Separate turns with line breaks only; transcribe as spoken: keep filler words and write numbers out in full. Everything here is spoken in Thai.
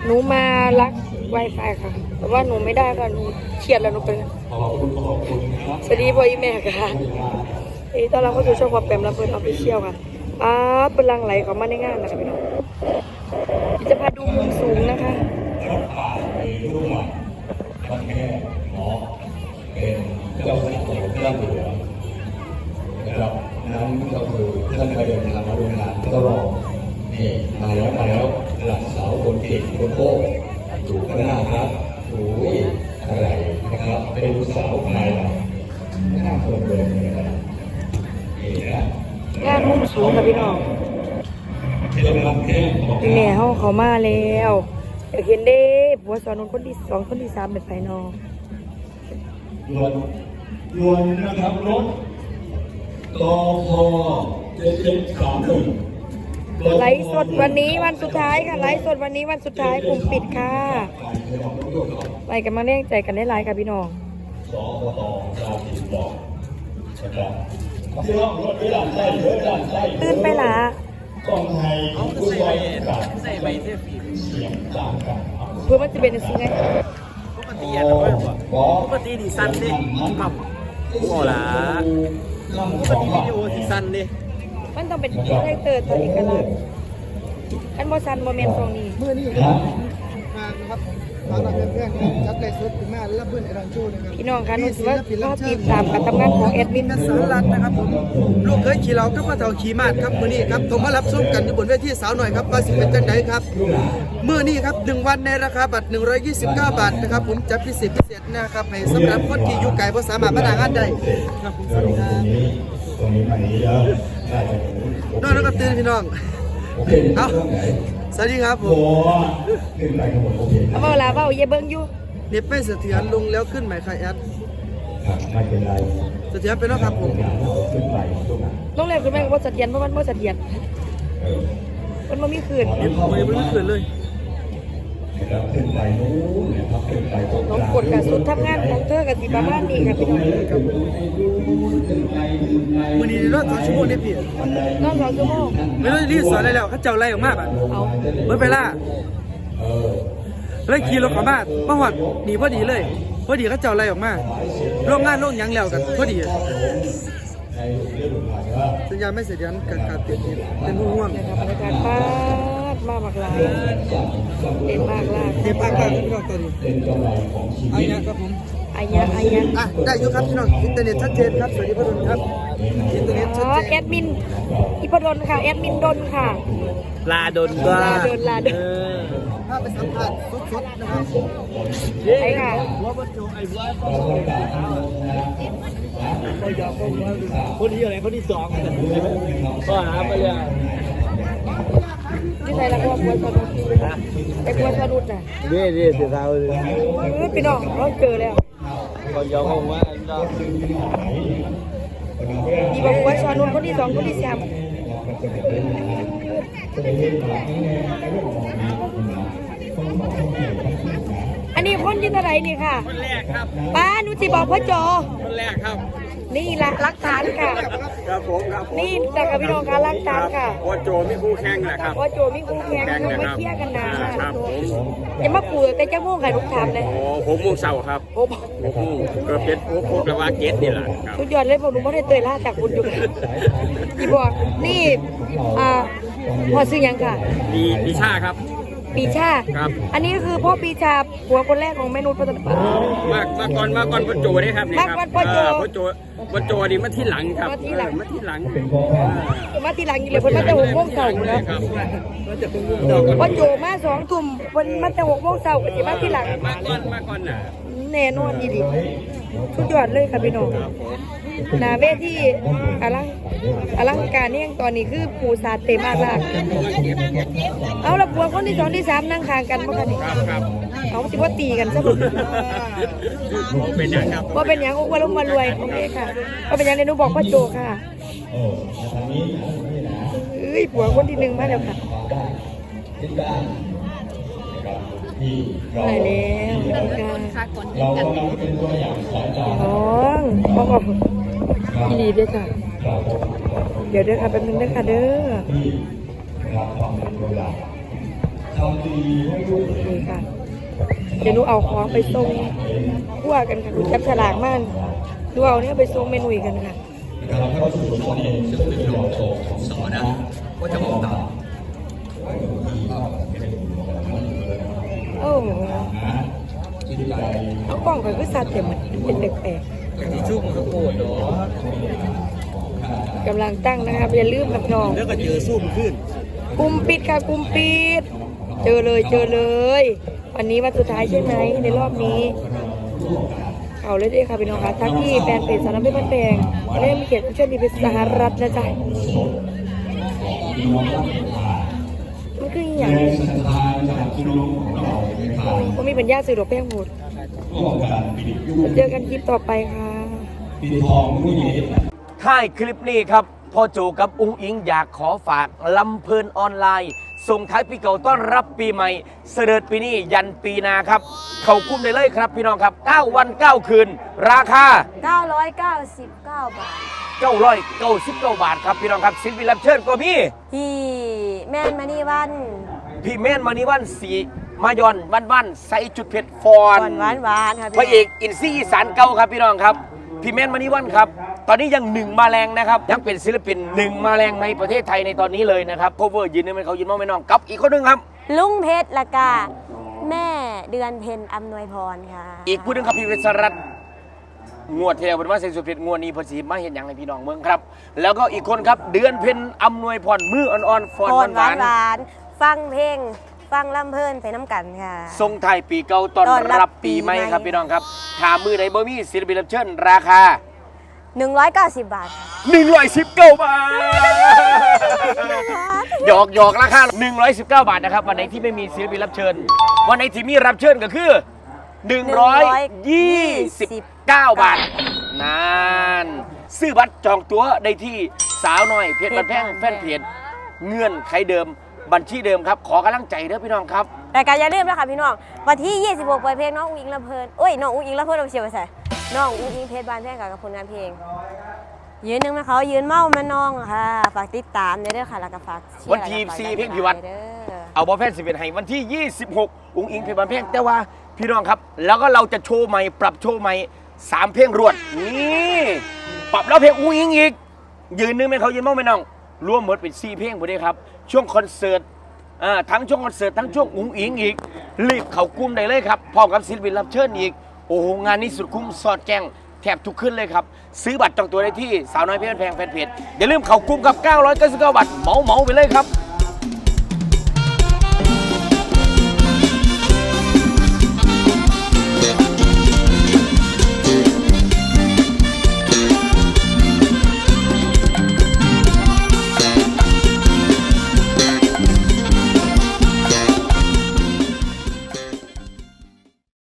หนูมารัก Wi-Fi ค่ะแต่ว่าหนูไม่ได้ค่ะหนูเครียดแล้วหนูเป็นสวัสดีพ่ออีแม่ค่ะเอ้ตอนเราเข้าสู่ช่องความแปมแล้วเพื่อนออฟฟิเชียลค่ะอ้าเป็นลังไหลของมาในงานนะคะพี่น้องจะพาดูมุมสูงนะคะ
เป็นเจ้าของเรื่องเหลือนะครับนั้นก็คือท่านไปเดินทางมาโรงงานก็รอนี่มาแล้วมาแล้วหลักสาวคนเก่งคนโก้ถูกข้างหน้าครับโอ้ยอะไรนะครับเป็นลูกสาวภายหลังหน้าคนเดินนะครับนี่นะ
งานมุมสูงค่ะพี่น้องแม่เขาเขามาแล้วอยากเห็นเด้ผัวสอนนคนที่สองคนที่สามเป็นไฟนอ
รวนรวนนะครับรถกพเจ็ดเจ็ดสามหนึ่ง
ไลฟ์สดวันนี้วันสุดท้ายค่ะไลฟ์สดวันนี้วันสุดท้ายกลุ่มปิดค่ะไปกันมาเรียกใจกันได้ไลฟ์ค่ะพี่น้อง
สปตเราติดต่อนะครับที่ห้องรถไม่ดันไส้เยอะดันไส้
ตื่นไปละ
กองไทยผู้ใส่ใส่ใบเสื้อฝีเสียงต่างกัน
เพื่อมันจะเป็นสิ่งไง
ปกติอ่ะปกติดีสั้นดิกับโอ้ล่ะปกติวิดีโอดีสั้นดิ
มันต้องเป็นคาแรคเตอร์ตัวเอกลักษณ์อันโมซันโมเมนต์ตรงนี้
เมื่อนี้มานะครับมาหลักเพื่อนๆจัดเลยสุดถึงแม่และเพื่อนไอรอนโชว์นะครับ
พี่น้องคะนุ่นว่าก็ติดตามการทำงานของแอดมิน
สารรัตน์นะครับผมลูกเคยขี่เราก็มาเท่าขี่มาดครับเมื่อนี้ครับผมมารับชมกันอยู่บนเวทีสาวหน่อยครับว่าสิเป็นจังไหนครับเมื่อนี้ครับหนึ่งวันในราคาบัตรหนึ่งร้อยยี่สิบเก้าบาทนะครับผมจะพิเศษพิเศษนะครับให้สำหรับคนที่อยู่ไกลเพราะสามารถมาด่างานได้ครับผมสวัสดีครับ
ตรงนี้ไปนี้แล้ว
น้องน้องกับตื่นพี่น้องเอาสวัสดีครับผม
เอาเวลาเบาเย่เบิ้งอยู่
เน็บไม่เสถียรลงแล้วขึ้นไหมคะแอด
ไม่เป็นไร
เสถียรเป็นแล้วครับผม
ลงแล้วคือแม่ว่าเสถียรเพราะมันว่าเสถียรมันมันมีคืน
มันไม่มีคืนเลย
ขึ้นไปนู้นนะครับขึ้นไปตรง
น้องกดกับสุดทำงานของเธอกับสีบ้านนี่ค่ะพี่น้อง
วันนี้รอดสองชั่วโมงได้พี่
รอดสองชั่วโมง
ไม่ต้องรีบสอนอะไรแล้วเขาเจ้าไล่ออกมาแบบ
เอา
เมื่อไปล่าแล้วขี่รถเข้ามาเมื่อวันหนีพอดีเลยพอดีเขาเจ้าไล่ออกมาโรงงานโรงยังแล้วกันพอดีสัญญาไม่เสถียรการการเปลี่ยนเป็นห่วง
นะครับบรรยากาศป้ามากมากลายเต็มมากลาย
เต็มมากลายพี่น้องตอนนี้อายะครับผม
อายะอายะ
อ่ะได้อยู่ครับพี่น้องอินเทอร์เน็ตชัดเจนครับสวัสดีพ่อดนครับอินเทอร์เน็ตชัดเจน
แอดมินอีพดลค่ะแอดมินดนค่ะ
ลาดนก็
ลาดนลาดน
ถ้าไปสัมผัสสดๆนะครับ
ใช่ค่ะ
คนที่อะไรคนที่สองก็หาไปเลย
ที่ไหนล่ะพ่อบัวสนุกไอ้บัวสนุกน่ะ
เด้เด้เสียดายเลย
พี่น้องเราเจอแล้ว
คนยอมคงว่า
อีบัวสนุกคนที่สองคนที่สามอันนี้คนที่เท่าไหร่นี่ค่ะ
คนแรกครับ
ป้าหนูจะบอกพ่อโจ
คนแรกครับ
นี่แหละรักฐานค่ะ
ครับผมครับ
นี่แต่กับพี่น้องค่ะรักฐานค่ะ
พ่อโจมีคู่แข่งแหละครับ
พ่อโจมีคู่แข่งเขาไม่เคลียร์กันนะครับ
ผม
จะมาปลูกแต่เจ้าม่วงไข่ลูกถามเลย
โอ้ผมม่วงเสาครับ
ผม
ก็เป็นพวกพวกระวาเกตนี่แหละครับ
สุดยอดเลยผมหนูไม่ได้เตยล่าจากคุณอยู่ที่บอกนี่อ่าพ่อซื้อยังค่ะ
ปีปีชาครับ
ปีชา
ครับ
อันนี้คือพ่อปีชาผัวคนแรกของแม่นุชพัฒนา
มากมาก่อนมาก่อนพ่อโจนี่ครับนี่ครับ
พ่อโจ
พ่อโจพ่อโจดีมาที่หลังครับ
มาที่หลัง
มาที่หลัง
มาที่หลังอยู่เลยเพิ่นมาแต่หกโมงเช้านะพ่อโจมาสองทุ่มเพิ่นมาแต่หกโมงเช้าก็สิมาที่หลัง
มาก่อนมาก่อนน่ะ
แน่นอนดีดีสุดยอดเลยค่ะพี่น้องหน้าเวทีอลังอลังการเนี่ยตอนนี้คือปูซาเต็มมากลากเอาละบัวคนที่สองที่สามนั่งข้างกันเมื่อกี้เอาจิว่าตีกันซะบุ
เป็นอย่างครับ
ว่าเป็นอย่างอ้วนลงมารวยโอเคค่ะว่าเป็นอย่างเรนูบอกพ่อโจค่ะเอ้ยบัวคนที่หนึ่งมาแล้วค่ะได้แล้วกันน้องพ่อบอกพี่ดีด้วยค่ะเดี๋ยวเด้อค่ะแป๊บนึงเด้อค่ะเด้อ
ทำดีให้ลูก
นี่ค่ะ เดี๋ยวหนูเอาของไปส่งคั่วกันค่ะหนูจับฉลากมากหนูเอาเนี่ยไปส่งเมนูกันค่ะ
นะครับถ้าเราสูตรเองซึ่งเป็นรอโชของสอนะก็จะบอกตาม
โอ้โห
จิตใจ
เอากล้องก่อนก็สัตว์เต็มเป็นแปลก
ที่ชุ่มข้าวโพดเนาะ
ๆกำลังตั้งนะครับอย่าลืมกับน้อง
แล้วก็เจอซุ่มขึ้น
กุมปิดค่ะกุมปิด เจอเลยเจอเลย วันนี้วันสุดท้ายใช่ไหมในรอบนี้เอาเลยด้วยค่ะพี่น้องค่ะทั้งที่แฟนเพจสารพัดแปลงเล่มเขียนเช่นดีเป็นสหรัฐนะจ๊ะมันคืออย่าง
ในสถานจากพี่น้องของเราในทาง
ก็มีปัญญาสื่อดอกแป้งหมด
ร่วมกันปิดยุ่ง
เจอกันคลิปต่อไปค่ะ
ปิดทองผู้หญิง
ท้ายคลิปนี้ครับพ่อโจกับอุ้งอิงอยากขอฝากลำเพลินออนไลน์ส่งท้ายปีเก่าต้อนรับปีใหม่เสด็จปีนี้ยันปีหนาครับ เข้าคุ้มได้เลยครับพี่น้องครับเก้าวันเก้าคืน ราคา
เก้าร้อยเก้าสิบเก้าบาท
เก้าร้อยเก้าสิบเก้าบาทครับพี่น้องครับศิลปินรับเชิญก็มี
ที่แม่นมานี่วัน
พี่เม่นมานิวันสีมายอนวันวันใส่จุดเผ็ดฟอน
ก่อนหวานหวานๆค่ะ
พระเอกอินซี่อีสานเก่าครับพี่น้องครับพี่เม่นมานิวันครับตอนนี้ยังหนึ่งมาแรงนะครับยังเป็นศิลปินหนึ่งมาแรงในประเทศไทยในตอนนี้เลยนะครับโคเวอร์ยืนนึงเป็นเขายืนมองไม่น้องกับอีกคนหนึงครับ
ลุงเพชรละกาแม่เดือนเพ็ญอำนวยพรค่ะ
อีกผู้หนึงครับพี่เวสรัตน์งวดเทวเป็นว่าเซนสุดเพชรงวดนี้เพอสีมาเห็นอย่างไรพี่น้องเมืองครับ แล้วก็อีกคนครับเดือนเพ็ญอำนวยพรมืออ่อนๆฟอน
พร
ห
หวาว
าน น
หวานๆฟังเพลง ฟังลำเพลินไปน้ำกันค่ะ
ๆทรงไทายปีเก่าตอน
ต้อนรับ
รับปีใหม่
ปีใหม่
ครับพี่น้องครับถามมือไหนบ่มีศิลปินรับเชิญราคา
หนึ่งร้อยเก้าสิบบาทค่ะ
หนึ่งร้อยสิบเก้าบาทหยอกหยอกราคาหนึ่งร้อยสิบเก้าบาทนะครับวันไหนที่ไม่มีศิลปินรับเชิญ วันไหนที่มีรับเชิญก็คือหนึ่งร้อยยี่สิบเก้าบาทนานซื้อบัตรจองตั๋วได้ที่สาวน้อยเพจบันแพงแฟนเพจเงื่อนไขเดิมบัญชีเดิมครับขอกำลังใจเด้อพี่น้องครับ
แต่การอย่าลืมนะคะพี่น้องวันที่ยี่สิบหกปล่อยเพลงน้องอุ้งอิงลำเพลินเอ้ยน้องอุ้งอิงลำเพลินเราเชียร์ไปใส่น้องอุ้งอิงเพชรบานแท่งกับผลงานเพลง ยืนหนึ่งมาเขายืนเมามาน้องค่ะฝากติดตามเด้อค่ะแล้วก็ฝากเชียร์
วันที่
แล้วก็ฝาก
สี่
ดัน
เพลงพิวัตร
เด้อ
เอาบอลแฟนสิบเอ็ดให้วันที่ยี่สิบหกอุ้งอิงเพลงบันเพลงแต่ว่าพี่น้องครับ แล้วก็เราจะโชว์ใหม่ปรับโชว์ใหม่สามเพลงรวดนี่ปรับแล้วเพลงอุ้งอิงอีกยืนนึงไหมเขายืนมองไหมน้องรวมหมดเป็นสี่เพลงหมดเลยครับช่วงคอนเสิร์ตอ่าทั้งช่วงคอนเสิร์ตทั้งช่วงอุ้งอิงอีกรีบเข้ากลุ่มได้เลยครับพร้อมกับศิลปินรับเชิญอีกโอ้โหงานนี้สุดคุ้มสอดแจ้งแทบทุกขึ้นเลยครับซื้อบัตรจองตัวได้ที่สาวน้อยเพชรแพงแฟนเพจอย่าลืมเข้ากลุ่มกับเก้าร้อยเก้าสิบเก้าบาทเหมาเหมาไปเลยครับ